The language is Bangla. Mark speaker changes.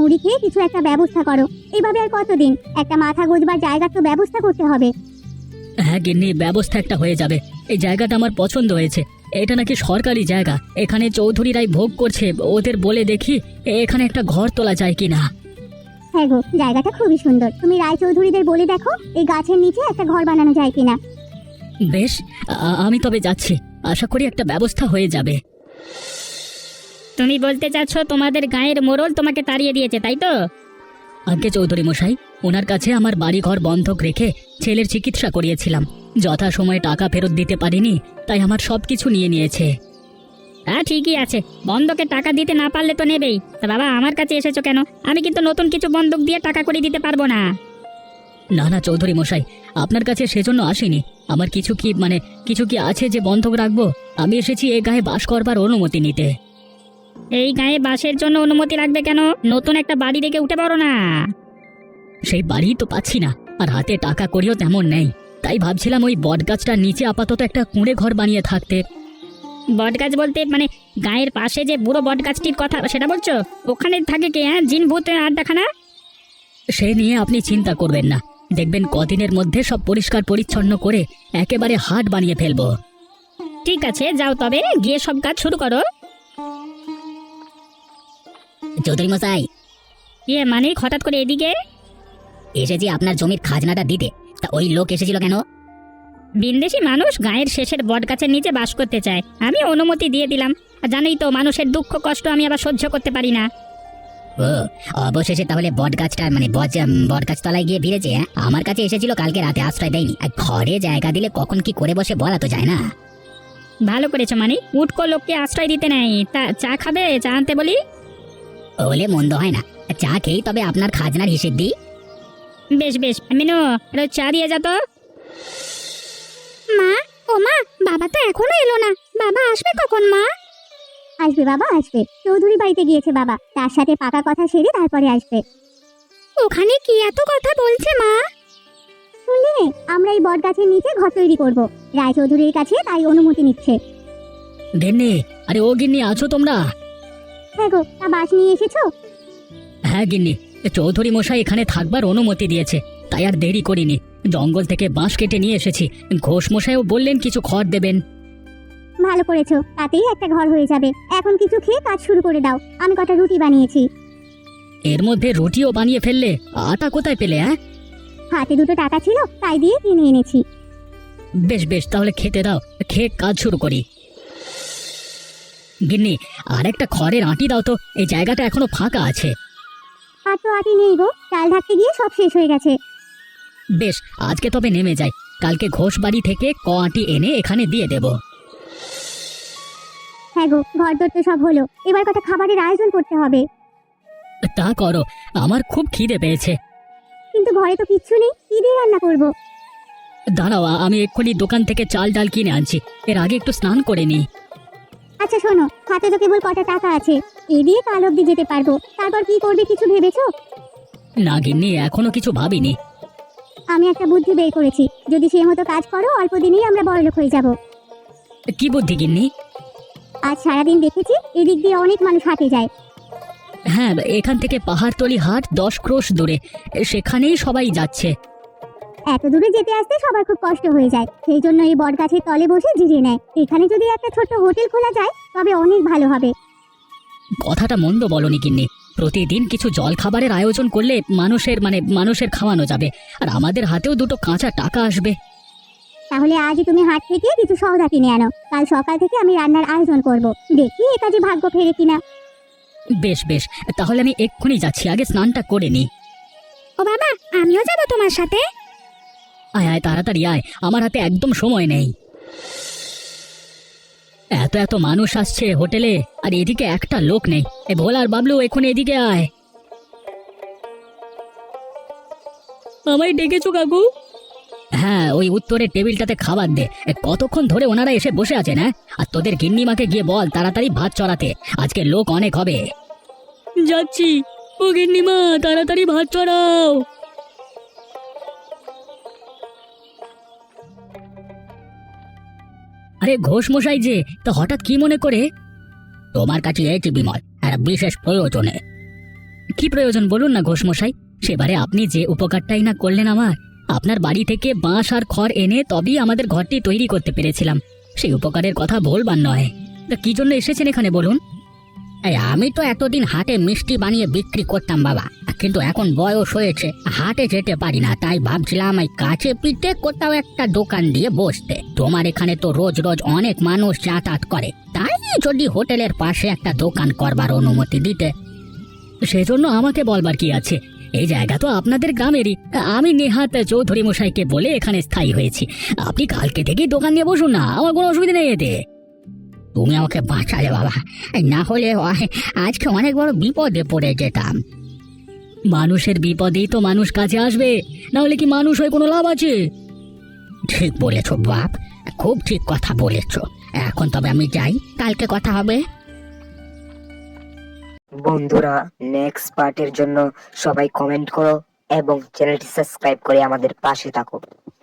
Speaker 1: মুড়ি খেয়ে কিছু একটা ব্যবস্থা করো। এভাবে আর কতদিন? একটা মাথা গোজবার জায়গার তো ব্যবস্থা করতে হবে।
Speaker 2: হ্যাঁ গিন্নি, ব্যবস্থা একটা হয়ে যাবে। এই জায়গাটা আমার পছন্দ হয়েছে। এটা নাকি সরকারি জায়গা, এখানে চৌধুরীরাই ভোগ করছে। ওদের বলে দেখি এখানে একটা ঘর তোলা যায় কিনা।
Speaker 1: হ্যাঁ গো, জায়গাটা খুবই সুন্দর। তুমি রায়চৌধুরীদের বলে দেখো এই গাছের নিচে একটা ঘর বানানো যায় কিনা।
Speaker 2: বেশ, আমি তবে যাচ্ছি। আশা করি একটা ব্যবস্থা হয়ে যাবে।
Speaker 3: তুমি বলতে চাচ্ছ তোমাদের গায়ের মোড়ল তোমাকে তাড়িয়ে দিয়েছে, তাই তো?
Speaker 2: আগে চৌধুরী মশাই, ওনার কাছে আমার বাড়িঘর বন্ধক রেখে ছেলের চিকিৎসা করিয়েছিলাম। যথাসময়ে টাকা ফেরত দিতে পারিনি, তাই আমার সবকিছু নিয়ে নিয়েছে।
Speaker 3: হ্যাঁ ঠিকই আছে, বন্ধকে টাকা দিতে না পারলে তো নেবেই। তা বাবা, আমার কাছে এসেছো কেন? আমি কিন্তু নতুন কিছু বন্ধক দিয়ে টাকা করে দিতে পারবো না।
Speaker 2: না না চৌধুরী মশাই, আপনার কাছে সেজন্য আসিনি। আমার কিছু কি আছে যে বন্ধক রাখবো? আমি এসেছি এ গায়ে বাস করবার অনুমতি নিতে।
Speaker 3: এই গায়ে বাসের জন্য অনুমতি লাগবে কেন? নতুন একটা বাড়ি রেখে উঠে পড়ো না।
Speaker 2: সেই বাড়ি তো পাচ্ছি না, আর হাতে টাকা করিও তেমন নেই। তাই ভাবছিলাম ওই বটগাছটার নিচে আপাতত একটা কুঁড়ে ঘর বানিয়ে থাকতে।
Speaker 3: বটগাছ বলতে মানে গায়ের পাশে যে বুড়ো বটগাছটির কথা সেটা বলছো? ওখানে থাকে কে? হ্যাঁ, জিন ভূত আড্ডাখানা?
Speaker 2: সে নিয়ে আপনি চিন্তা করবেন না, দেখবেন কদিনের মধ্যে সব পরিষ্কার পরিচ্ছন্ন করে একেবারে হাট বানিয়ে ফেলবো।
Speaker 3: ঠিক আছে, যাও তবে, গিয়ে সব কাজ শুরু করো।
Speaker 2: চৌধুরী মশাই,
Speaker 3: ইয়ে মানে হঠাৎ করে এদিকে?
Speaker 2: এসেছি আপনার জমির খাজনাটা দিতে। তা ওই লোক এসেছিল কেন?
Speaker 3: বিন্দেশি মানুষ গায়ের শেষের বটগাছের নিচে বাস করতে চায়, আমি অনুমতি দিয়ে দিলাম। আর জানোই তো, মানুষের দুঃখ কষ্ট আমি আবার সহ্য করতে পারি না।
Speaker 2: ও, অবশেষে তাহলে বটগাছটা বটগাছ তলায় গিয়ে ভিড়েছে। আমার কাছে এসেছিল কালকে রাতে, আশ্রয় দেয়নি। আর ঘরে জায়গা দিলে কখন কি করে বসে বলা তো যায় না।
Speaker 3: ভালো করেছো মানে, উটকো লোককে আশ্রয় দিতে নেই। তা চা খাবে? চা আনতে বলি?
Speaker 2: বলে মন্দ হয় না, চা খেয়েই তবে আপনার খাজনার হিসেব দিই।
Speaker 3: বেশ বেশ, মিনু চা দিয়ে যা তো।
Speaker 1: মা, ও মা, বাবা তো এখনো এলো না। বাবা আসবে কখন মা? আসবে বাবা, আসবে। চৌধুরী বাড়িতে গিয়েছে বাবা, তার সাথে পাকা কথা সেরে তারপরে আসবে। ওখানে কি এত কথা বলছে মা? শুনলি নে, আমরা এই বট গাছের নিচে ঘর তৈরি করব। রায়চৌধুরীর কাছে তাই অনুমতি নিচ্ছে।
Speaker 2: গিন্নি, আরে ও গিন্নি, আছো তোমরা?
Speaker 1: হ্যাঁ গো, তা বাস নিয়ে এসেছো?
Speaker 2: হ্যাঁ গিন্নি, চৌধুরী মশাই এখানে থাকবার অনুমতি দিয়েছে, তাই আর দেরি করিনি। জঙ্গল থেকে বাঁশ কেটে নিয়ে এসেছি। ঘোষ মশাইও বললেন কিছু খড় দেবেন।
Speaker 1: ভালো করেছো, তাতেই একটা ঘর হয়ে যাবে। এখন কিছু খেয়ে কাজ শুরু করে দাও। আমি কটা রুটি বানিয়েছি।
Speaker 2: এর মধ্যে রুটিও বানিয়ে ফেললে? আটা কোথায় পেলে? হ্যাঁ,
Speaker 1: হাতে দুটো টাকা ছিল, তাই দিয়ে কিনে এনেছি।
Speaker 2: বেশ বেশ, তাহলে খেতে দাও, খেয়ে কাজ শুরু করি। গিন্নি, আর একটা খড়ের আঁটি দাও তো, এই জায়গাটা এখনো ফাঁকা আছে।
Speaker 1: আর তো আটি নেই গো, চাল ঢাকতে গিয়ে সব শেষ হয়ে গেছে।
Speaker 2: বেশ, আজকে তবে নেমে যাই। কালকে ঘোষ বাড়ি থেকে আঁটি এনে এখানে দিয়ে দেব।
Speaker 1: হ্যাঁ গো, ঘরদোর তো সব হলো, এবার কটা খাবারের আয়োজন করতে হবে।
Speaker 2: তা করো, আমার খুব খিদে পেয়েছে।
Speaker 1: কিন্তু ঘরে তো কিচ্ছু নেই, কি দিয়ে রান্না করবো?
Speaker 2: দাঁড়াও, আমি এক্ষুনি দোকান থেকে চাল ডাল কিনে আনছি। এর আগে একটু স্নান করে নি।
Speaker 1: আচ্ছা শোনো, হাতে তো কেবল কটা টাকা আছে, এই দিয়ে কাল অব্দি যেতে পারবো। তারপর কি করবে কিছু ভেবেছো?
Speaker 2: না গিন্নি, এখনো কিছু ভাবিনি।
Speaker 1: আমি একটা বুদ্ধি বের করেছি, যদি সে মতো কাজ করো অল্প দিনেই আমরা বড়লোক হয়ে যাব।
Speaker 2: কি বুদ্ধি গিন্নি?
Speaker 1: আজ সারাদিন দেখেছি এদিক দিয়ে অনেক মানুষ হাঁটে যায়।
Speaker 2: হ্যাঁ, এখান থেকে পাহাড়তলি হাট 10 ক্রোশ দূরে, সেখানেই সবাই যাচ্ছে।
Speaker 1: এত দূরে যেতে আসতে সবার খুব কষ্ট হয়ে যায়, সেই জন্য এই বট গাছের তলে বসে জিরিয়ে নেয়। এখানে যদি একটা ছোট্ট হোটেল খোলা যায় তবে অনেক ভালো হবে।
Speaker 2: কথাটা মন্দ বলনি গিন্নি। প্রতিদিন কিছু জল খাবারের আয়োজন করলে মানুষের খাওয়ানো যাবে, আর আমাদের হাতেও দুটো কাঁচা টাকা আসবে।
Speaker 1: তাহলে আজই তুমি হাট থেকে কিছু সওদা কিনে আনো, কাল সকাল থেকে আমি রান্নার আয়োজন করব। দেখি এ কাজে ভাগ্য ফেরে কিনা।
Speaker 2: বেশ বেশ, তাহলে আমি এক্ষুনি যাচ্ছি, আগে স্নানটা করে নি।
Speaker 1: ও বাবা, আমিও যাব তোমার সাথে।
Speaker 2: আয় আয়, তাড়াতাড়ি আয়, আমার হাতে একদম সময় নেই। এত এত মানুষ আসছে হোটেলে, আর এদিকে একটা লোক নেই। এ ভোলা আর বাবলু, এখন এদিকে আয়। আমায় ডেকেছো কাকু? হ্যাঁ, ওই উত্তরের টেবিলটাতে খাবার দে। কতক্ষণ ধরে ওনারা এসে বসে আছেন। হ্যাঁ, আর তোদের গিন্নিমাকে গিয়ে বল তাড়াতাড়ি ভাত চড়াতে, আজকে লোক অনেক হবে। যাচ্ছি। ও গিন্নিমা, তাড়াতাড়ি ভাত চড়াও। আরে ঘোষ মশাই যে, তো হঠাৎ কি মনে করে? তোমার কাছে এসেছি বিমল, একটা বিশেষ প্রয়োজনে। কি প্রয়োজন বলুন না ঘোষমশাই। সেবারে আপনি যে উপকারটাই না করলেন আমার, আপনার বাড়ি থেকে বাঁশ আর খড় এনে তবেই আমাদের ঘরটি তৈরি করতে পেরেছিলাম। সেই উপকারের কথা বলবার নয়। তা কি জন্য এসেছেন এখানে বলুন? আমি তো এতদিন হাটে মিষ্টি বানিয়ে বিক্রি করতাম বাবা, কিন্তু এখন বয়স হয়েছে, হাটে যেতে পারি না। তাই ভাবছিলাম এই কাছে পিঠে কোথাও একটা দোকান দিয়ে বসতে। তোমার এখানে তো রোজ রোজ অনেক মানুষ যাতায়াত করে, তাই যদি হোটেলের পাশে একটা দোকান করবার অনুমতি দিতে। সেজন্য আমাকে বলবার কি আছে, এই জায়গা তো আপনাদের গ্রামেরই। আমি নেহাত চৌধুরী মশাইকে বলে এখানে স্থায়ী হয়েছি। আপনি কালকে থেকেই দোকান নিয়ে বসুন না, আমার কোনো অসুবিধা নেই এতে। তুমি আমাকে বাঁচালে বাবা, না হলে আজকে অনেক বড় বিপদে পড়ে যেতাম। মানুষের বিপদেই তো মানুষ কাছে আসবে, না হলে কি মানুষ হয়ে কোনো লাভ আছে? ঠিক বলেছ বাপ, খুব ঠিক কথা বলেছ। এখন তবে আমি যাই, কালকে কথা হবে।
Speaker 4: বন্ধুরা, নেক্সট পার্টের জন্য সবাই কমেন্ট করো এবং চ্যানেলটি সাবস্ক্রাইব করে আমাদের পাশে থাকো।